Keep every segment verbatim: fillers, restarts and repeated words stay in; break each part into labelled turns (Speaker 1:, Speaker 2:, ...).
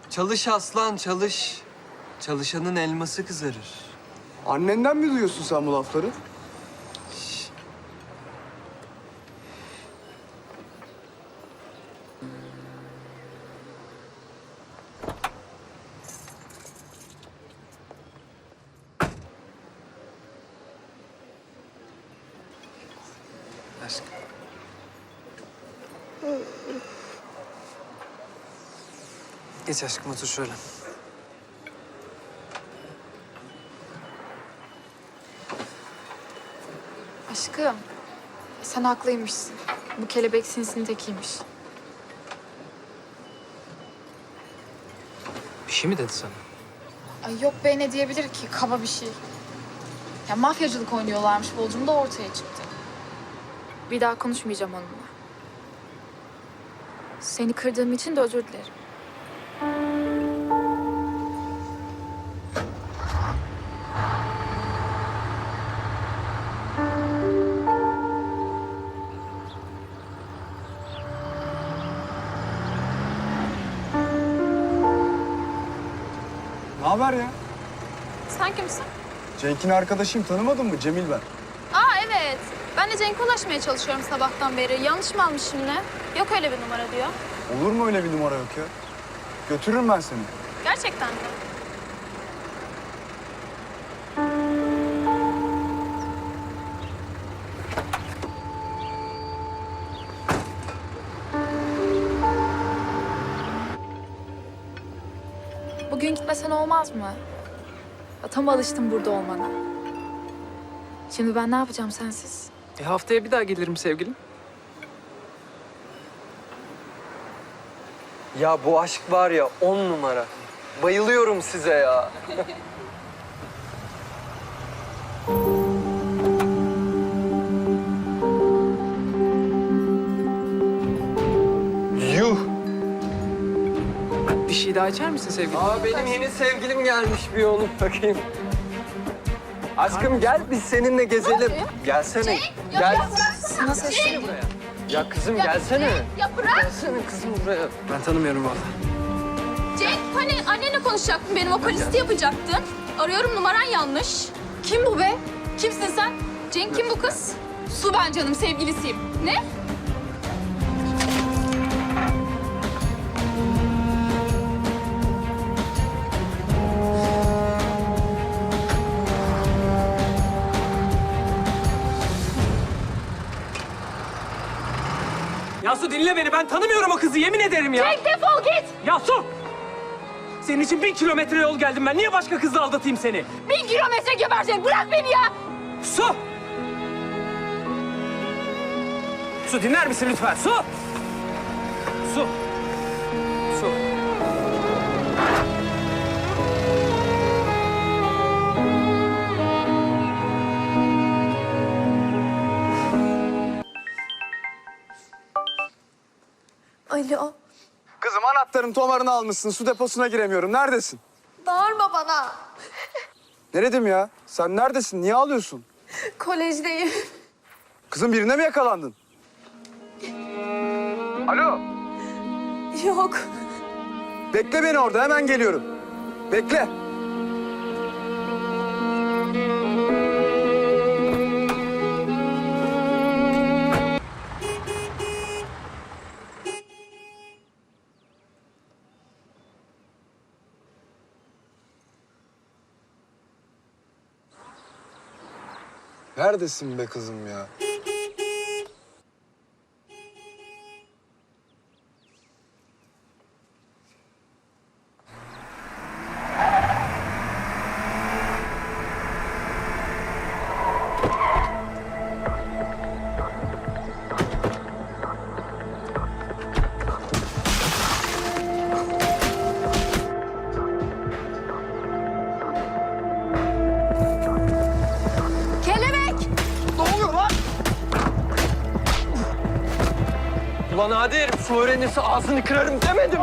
Speaker 1: Çalış aslan, çalış. Çalışanın elması kızarır.
Speaker 2: Annenden mi duyuyorsun sen bu lafları?
Speaker 1: Aşkım. Geç aşkım, otur şöyle.
Speaker 3: Aşkım, sen haklıymışsın. Bu kelebek sinsinin tekiymiş.
Speaker 1: Bir şey mi dedi sana?
Speaker 3: Ay yok be, ne diyebilir ki? Kaba bir şey. Ya mafyacılık oynuyorlarmış, Bolcum da ortaya çıktı. Bir daha konuşmayacağım onunla. Seni kırdığım için de özür dilerim.
Speaker 2: Ne haber ya?
Speaker 3: Sen kimsin?
Speaker 2: Cenk'in arkadaşıyım, tanımadın mı? Cemil ben.
Speaker 3: Aa evet. Ben de Cenk'e ulaşmaya çalışıyorum sabahtan beri. Yanlış mı almışım ne? Yok öyle bir numara diyor.
Speaker 2: Olur mu öyle bir numara yok ya? Götürürüm ben seni.
Speaker 3: Gerçekten mi? Bugün gitmesen olmaz mı? Ya, tam alıştım burada olmana. Şimdi ben ne yapacağım sensiz?
Speaker 1: E haftaya bir daha gelirim sevgilim. Ya bu aşk var ya, on numara. Bayılıyorum size ya. Yuh!
Speaker 4: Bir şey daha içer misin sevgilim?
Speaker 1: Aa, benim yeni sevgilim gelmiş, bir onu bakayım. Aşkım gel, biz seninle gezelim. Gelsene. Gel.
Speaker 3: Sana sesleneyim.
Speaker 1: Ya kızım gelsene.
Speaker 5: Ya bırak
Speaker 1: Gelsene kızım buraya.
Speaker 4: Ben tanımıyorum vallahi.
Speaker 5: Cenk, hani annenle konuşacaktın, benim vokalisti yapacaktın. Arıyorum, numaran yanlış. Kim bu be? Kimsin sen? Cenk kim bu kız? Su ben canım, sevgilisiyim. Ne?
Speaker 4: Ya Su dinle beni, ben tanımıyorum o kızı, yemin ederim ya.
Speaker 5: Cenk defol git!
Speaker 4: Ya Su! Senin için bin kilometre yol geldim ben. Niye başka kızla aldatayım seni?
Speaker 5: Bin kilometre geberecek, bırak beni ya!
Speaker 4: Su! Su dinler misin lütfen? Su! Su! Su!
Speaker 6: Alo,
Speaker 2: Kızım anahtarın tomarını almışsın, su deposuna giremiyorum. Neredesin?
Speaker 6: bağırma bana.
Speaker 2: Ne dedim ya? Sen neredesin? Niye ağlıyorsun?
Speaker 6: Kolejdeyim.
Speaker 2: Kızım birine mi yakalandın? Alo,
Speaker 6: Yok,
Speaker 2: bekle beni orada, hemen geliyorum. Bekle. Neredesin be kızım ya?
Speaker 1: Ulan hadi herif, su öğrenirse ağzını kırarım demedim mi?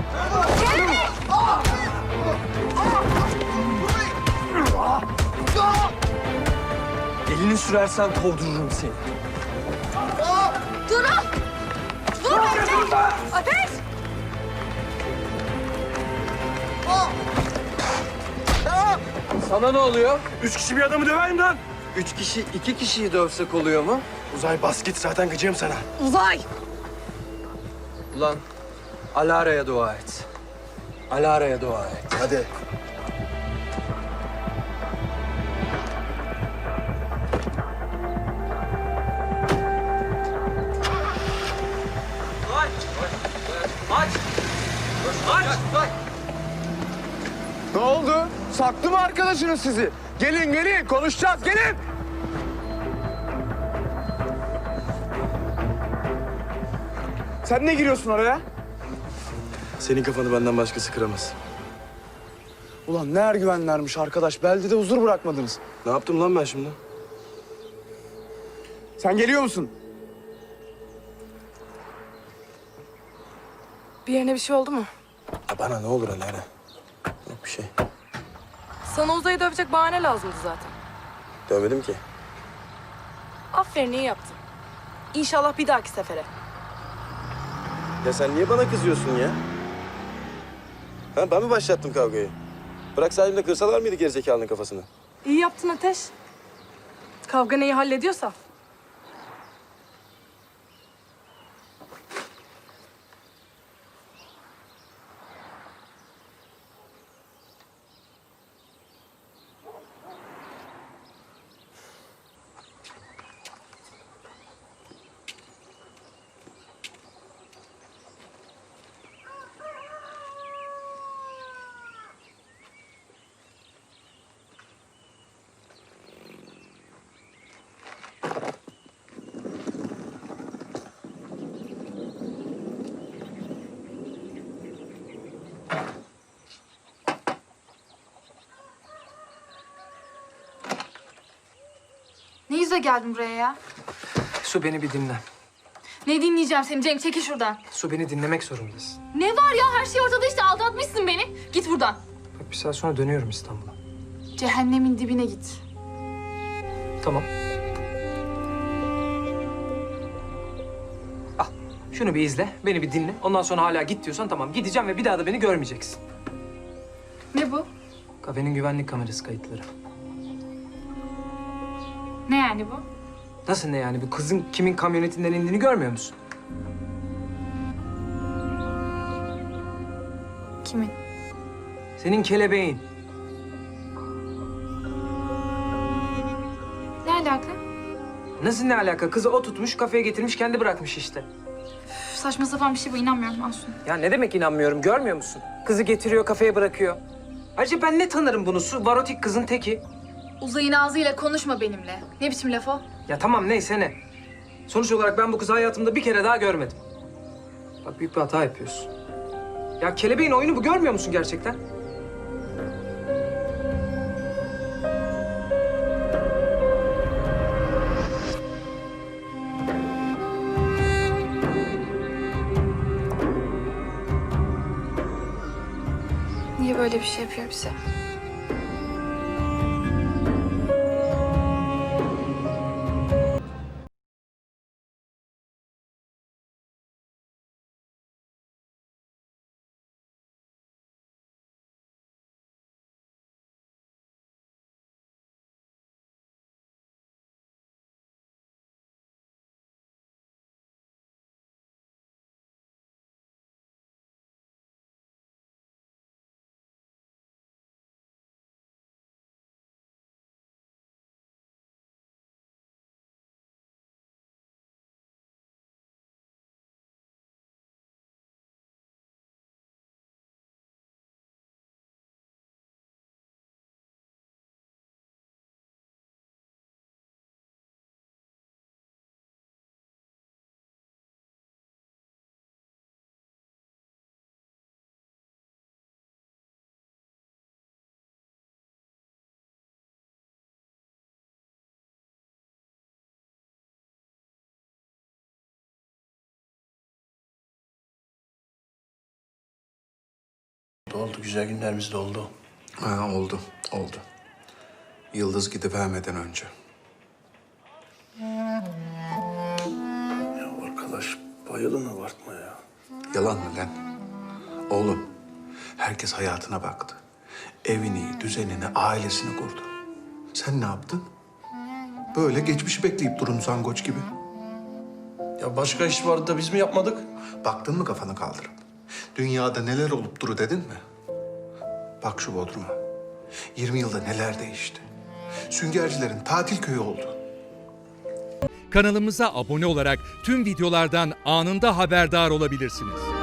Speaker 1: Elini sürersen kovdururum seni.
Speaker 5: Durun! Dur bekle! Ateş!
Speaker 1: Sana ne oluyor?
Speaker 2: Üç kişi bir adamı döver mi lan?
Speaker 1: Üç kişi iki kişiyi dövsek oluyor mu?
Speaker 2: Uzay bas git zaten gıcığım sana.
Speaker 6: Uzay!
Speaker 1: Ulan Alara'ya dua et. Alara'ya dua et.
Speaker 2: Hadi.
Speaker 4: Aç! Aç! Aç!
Speaker 2: Ne oldu? Saktı mı arkadaşınız sizi? Gelin gelin konuşacağız gelin. Sen ne giriyorsun oraya?
Speaker 7: Senin kafanı benden başkası kıramaz.
Speaker 2: Ulan ne ergüvenlermiş arkadaş. Beldede huzur bırakmadınız.
Speaker 7: Ne yaptım lan ben şimdi?
Speaker 2: Sen geliyor musun?
Speaker 8: Bir yerine bir şey oldu mu?
Speaker 7: Ya bana ne olur Alara? Yok bir şey.
Speaker 8: Sana Uzay'ı dövecek bahane lazımdı zaten.
Speaker 7: Dövmedim ki.
Speaker 8: Aferin, iyi yaptın. İnşallah bir dahaki sefere.
Speaker 7: Ya sen niye bana kızıyorsun ya? Ha, ben mi başlattım kavgayı? Bırak salimde kırsalar mıydı gerizekalının kafasını?
Speaker 8: İyi yaptın Ateş. Kavga neyi hallediyorsa.
Speaker 3: Ne yüzle geldin buraya ya?
Speaker 4: Su beni bir dinle.
Speaker 3: Ne dinleyeceğim seni Cenk? Çekil şuradan.
Speaker 4: Su beni dinlemek zorundasın.
Speaker 5: Ne var ya, her şey ortada işte, aldatmışsın beni. Git buradan.
Speaker 4: Bak bir saat sonra dönüyorum İstanbul'a.
Speaker 3: Cehennemin dibine git.
Speaker 4: Tamam. Al. Şunu bir izle, beni bir dinle. Ondan sonra hala git diyorsan tamam gideceğim ve bir daha da beni görmeyeceksin.
Speaker 3: Ne bu?
Speaker 4: Kafenin güvenlik kamerası kayıtları.
Speaker 3: Ne yani bu?
Speaker 4: Nasıl ne yani? Bu kızın kimin kamyonetinden indiğini görmüyor musun?
Speaker 3: Kimin?
Speaker 4: Senin kelebeğin.
Speaker 3: Ne alaka?
Speaker 4: Nasıl ne alaka? Kızı o tutmuş, kafeye getirmiş, kendi bırakmış işte.
Speaker 3: Üf, saçma sapan bir şey bu. İnanmıyorum. Al şunu.
Speaker 4: Ya ne demek inanmıyorum, görmüyor musun? Kızı getiriyor, kafeye bırakıyor. Ayrıca ben ne tanırım bunu? Su varotik kızın teki.
Speaker 3: Uzayın ağzıyla konuşma benimle. Ne biçim laf o?
Speaker 4: Ya tamam neyse ne. Sonuç olarak ben bu kızı hayatımda bir kere daha görmedim. Bak büyük bir hata yapıyorsun. Ya kelebeğin oyunu bu, görmüyor musun gerçekten?
Speaker 3: Niye böyle bir şey yapıyor bize?
Speaker 7: Oldu, güzel günlerimiz de oldu.
Speaker 9: Ha, oldu, oldu. Yıldız gidivermeden önce.
Speaker 7: Ya arkadaş, bayılın abartma ya.
Speaker 9: Yalan mı lan? Oğlum, herkes hayatına baktı. evini, düzenini, ailesini kurdu. Sen ne yaptın? Böyle geçmişi bekleyip durun zangoç gibi.
Speaker 10: Ya başka iş vardı da biz mi yapmadık?
Speaker 9: Baktın mı kafanı kaldırıp? Dünyada neler olup duru dedin mi? Bak şu Bodrum'a. yirmi yılda neler değişti. Süngercilerin tatil köyü oldu.
Speaker 11: Kanalımıza abone olarak tüm videolardan anında haberdar olabilirsiniz.